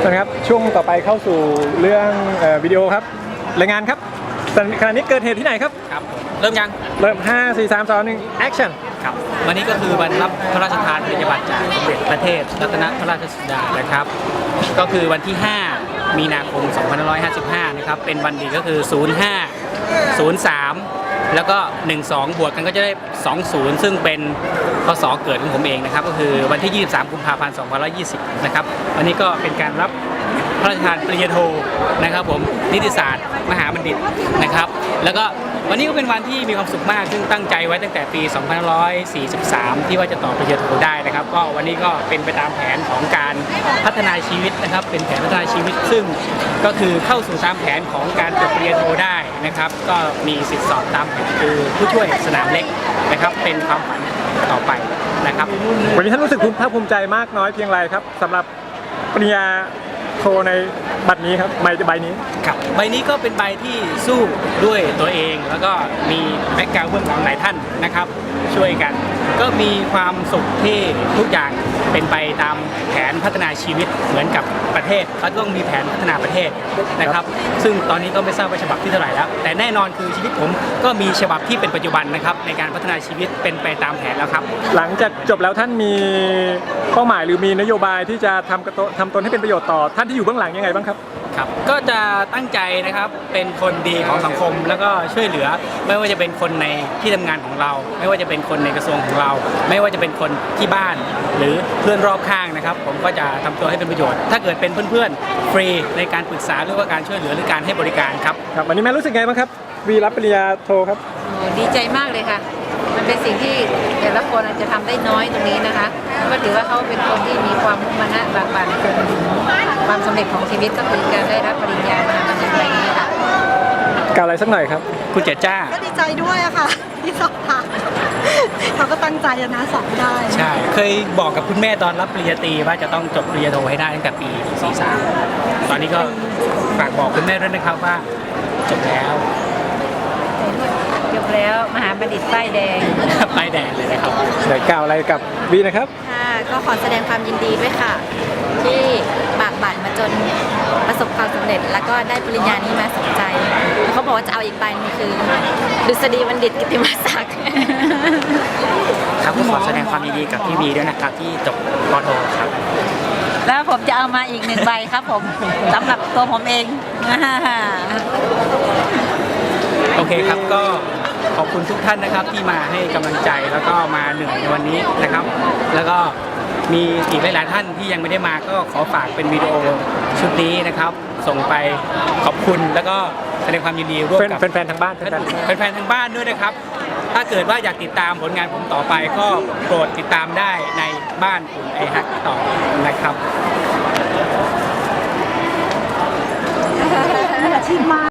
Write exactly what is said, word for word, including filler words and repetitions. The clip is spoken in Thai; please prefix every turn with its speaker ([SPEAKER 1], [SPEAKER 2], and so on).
[SPEAKER 1] นะครับช่วงต่อไปเข้าสู่เรื่องวิดีโอครับรายงานครับขณะนี้เกิดเหตุที่ไหนครับ
[SPEAKER 2] ครับเริ่มยัง
[SPEAKER 1] เริ่มห้า สี่ สาม สอง หนึ่ง action
[SPEAKER 2] ครับวันนี้ก็คือวันรับพระราชทานปริญญาบัตรจากสมเด็จพระเทพรัตนพระราชสุดานะครับก็คือวันที่ห้ามีนาคมสองพันห้าร้อยห้าสิบห้านะครับเป็นวันดีก็คือศูนย์ ห้า ศูนย์ สามแล้วก็หนึ่ง สองบวกกันก็จะได้สองสิบซึ่งเป็นพศเกิดของผมเองนะครับก็คือวันที่ยี่สิบสามกุมภาพันธ์สองพันห้าร้อยยี่สิบนะครับวันนี้ก็เป็นการรับพระราชทานปริญญาโทนะครับผมนิติศาสตร์มหาบัณฑิตนะครับแล้วก็วันนี้ก็เป็นวันที่มีความสุขมากซึ่งตั้งใจไว้ตั้งแต่ปีสองพันห้าร้อยสี่สิบสามที่ว่าจะต่อปริญญาโทได้นะครับก็วันนี้ก็เป็นไปตามแผนของการพัฒนาชีวิตนะครับเป็นแผนพัฒนาชีวิตซึ่งก็คือเข้าสู่ตามแผนของการจบปริญญาโทได้นะครับก็มีสิทธิสอบตามแผนคือผู้ช่วยสนามเล็กนะครับเป็นความฝันต่อไปนะครับ
[SPEAKER 1] วันนี้ท่านรู้สึกภูมิภาคภูมิใจมากน้อยเพียงไรครับสำหรับปริญญาโทในบัตรนี้ครับใบใบนี้
[SPEAKER 2] ครับใบนี้ก็เป็นใบที่สู้ด้วยตัวเองแล้วก็มีแบ็คกราวด์เบื้องหลังหลายท่านนะครับช่วยกันก็มีความสุขที่ทุกอย่างเป็นไปตามแผนพัฒนาชีวิตเหมือนกับประเทศเขาต้องมีแผนพัฒนาประเทศนะครับซึ่งตอนนี้ก็ไม่ทราบว่าฉบับที่เท่าไหร่แล้วแต่แน่นอนคือชีวิตผมก็มีฉบับที่เป็นปัจจุบันนะครับในการพัฒนาชีวิตเป็นไปตามแผนแล้วครับ
[SPEAKER 1] หลังจากจบแล้วท่านมีเป้าหมายหรือมีนโยบายที่จะทำทำตนให้เป็นประโยชน์ต่อท่านที่อยู่เบื้องหลังยังไงบ้างครับ
[SPEAKER 2] ครับก็จะตั้งใจนะครับเป็นคนดีของสังคมแล้วก็ช่วยเหลือไม่ว่าจะเป็นคนในที่ทำงานของเราไม่ว่าจะเป็นคนในกระทรวงของเราไม่ว่าจะเป็นคนที่บ้านหรือเพื่อนรอบข้างนะครับผมก็จะทำตัวให้เป็นประโยชน์ถ้าเกิดเป็นเพื่อนๆฟรีในการปรึกษาหรือว่าการช่วยเหลือหรือการให้บริการครับ
[SPEAKER 1] ครับวันนี้แม่รู้สึกไงบ้างครับวีรับปริญญาโทครับ
[SPEAKER 3] ดีใจมากเลยค่ะมันเป็นสิ่งที่แต่ละคนอาจจะทำได้น้อยตรงนี้นะคะก็ถือว่าเขาเป็นคนที่มีความมุ่งมั่นบากบั่นจนถึงความสำเร็จของชีวิตก็คือการได้รับปริญญามาในปีนี้ค่ะ
[SPEAKER 1] กล่าวอะไรสักหน่อยครับ
[SPEAKER 2] คุณเจจ้า
[SPEAKER 4] ก็ดีใจด้วยอะค่ะที่สอบผ่านเขาก็ตั้งใจนะสอบได้
[SPEAKER 2] ใช่เคยบอกกับคุณแม่ตอนรับปริญญาตรีว่าจะต้องจบปริญญาโทให้ได้ตั้งแต่ปีสี่สิบสามตอนนี้ก็ฝากบอกคุณแม่ด้วยนะครับว่าจบแล้ว
[SPEAKER 3] จบแล้วมหาบัณฑิตป้ายแดง
[SPEAKER 2] ป้ายแดงเลยนะครับ
[SPEAKER 1] เดี๋ยวกล่าวอะไรกับวีนะครับ
[SPEAKER 4] ค่ะก็ขอแสดงความยินดีด้วยค่ะที่บากบั่นมาจนประสบความสำเร็จแล้วก็ได้ปริญญานี้มาสนใจเขาบอกว่าจะเอาอีกใบนึงคือดุษฎีบัณฑิตกิตติมศักดิ์
[SPEAKER 2] ครับก็ขอแสดงความยินดีกับพี่วีด้วยนะครับที่จบป.โทครับ
[SPEAKER 3] แล้วผมจะเอามาอีกหนึ่งใบครับผมสำหรับตัวผมเอง
[SPEAKER 2] โอเคครับก็ขอบคุณทุกท่านนะครับที่มาให้กำลังใจแล้วก็มาเหนื่อยในวันนี้นะครับแล้วก็มีอีกหลายๆท่านที่ยังไม่ได้มาก็ขอฝากเป็นวิดีโอชุดนี้นะครับส่งไปขอบคุณแล้วก็แสดงความยินดีร่วมกับ
[SPEAKER 1] แฟนๆทางบ้าน
[SPEAKER 2] แฟนๆทางบ้านด้วยนะครับถ้าเกิดว่าอยากติดตามผลงานผมต่อไปก็โปรดติดตามได้ในบ้านอุ่นไอฮักต่อนะครับ